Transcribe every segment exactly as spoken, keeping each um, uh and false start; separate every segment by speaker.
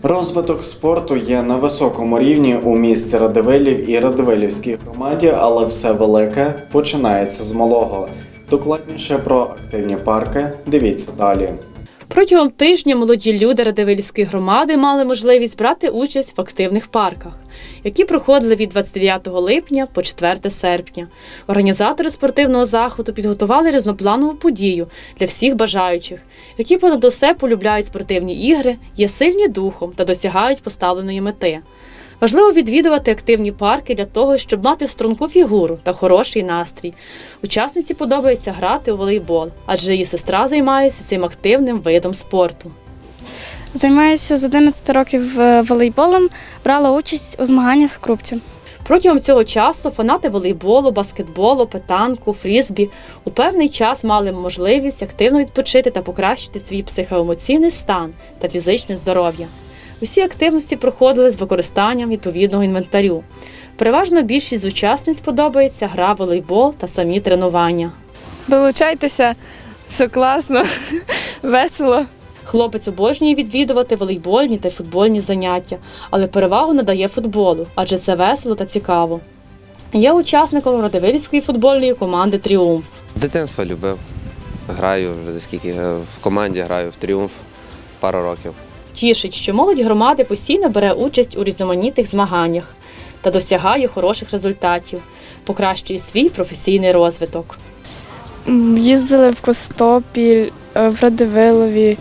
Speaker 1: Розвиток спорту є на високому рівні у місті Радивилів і Радивилівській громаді, але все велике починається з малого. Докладніше про активні парки дивіться далі.
Speaker 2: Протягом тижня молоді люди Радивилівської громади мали можливість брати участь в активних парках, які проходили від двадцять дев'ятого липня по четверте серпня. Організатори спортивного заходу підготували різнопланову подію для всіх бажаючих, які понад усе полюбляють спортивні ігри, є сильні духом та досягають поставленої мети. Важливо відвідувати активні парки для того, щоб мати струнку фігуру та хороший настрій. Учасниці подобається грати у волейбол, адже її сестра займається цим активним видом спорту.
Speaker 3: Займаюся з одинадцяти років волейболом, брала участь у змаганнях в Крупці.
Speaker 2: Протягом цього часу фанати волейболу, баскетболу, петанку, фрізбі у певний час мали можливість активно відпочити та покращити свій психоемоційний стан та фізичне здоров'я. Усі активності проходили з використанням відповідного інвентарю. Переважно більшість з учасниць подобається гра в волейбол та самі тренування.
Speaker 4: Долучайтеся, все класно, весело.
Speaker 2: Хлопець обожнює відвідувати волейбольні та футбольні заняття, але перевагу надає футболу, адже це весело та цікаво. Є учасником Радивилівської футбольної команди «Тріумф».
Speaker 5: З дитинства любив. Граю вже скільки в команді, граю в «Тріумф» пару років.
Speaker 2: Тішить, що молодь громади постійно бере участь у різноманітних змаганнях та досягає хороших результатів, покращує свій професійний розвиток.
Speaker 3: Їздили в Костопіль, в Радивилові,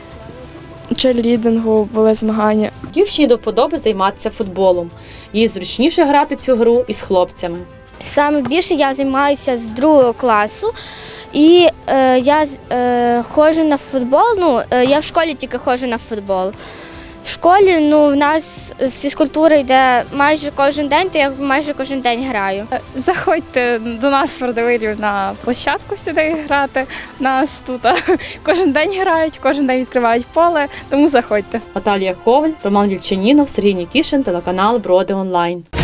Speaker 3: черлідингу були змагання.
Speaker 2: Дівчині до вподоби займатися футболом. Їй зручніше грати цю гру із хлопцями.
Speaker 6: Саме більше я займаюся з другого класу. І е, я е, ходжу на футбол, ну, е, я в школі тільки ходжу на футбол. В школі ну, в нас фізкультура йде майже кожен день, то я майже кожен день граю.
Speaker 3: Заходьте до нас в Радивилів на площадку сюди грати. Нас тут кожен день грають, кожен день відкривають поле, тому заходьте.
Speaker 2: Наталія Коваль, Роман Вільчанінов, Сергій Нікішин, телеканал Броди Онлайн.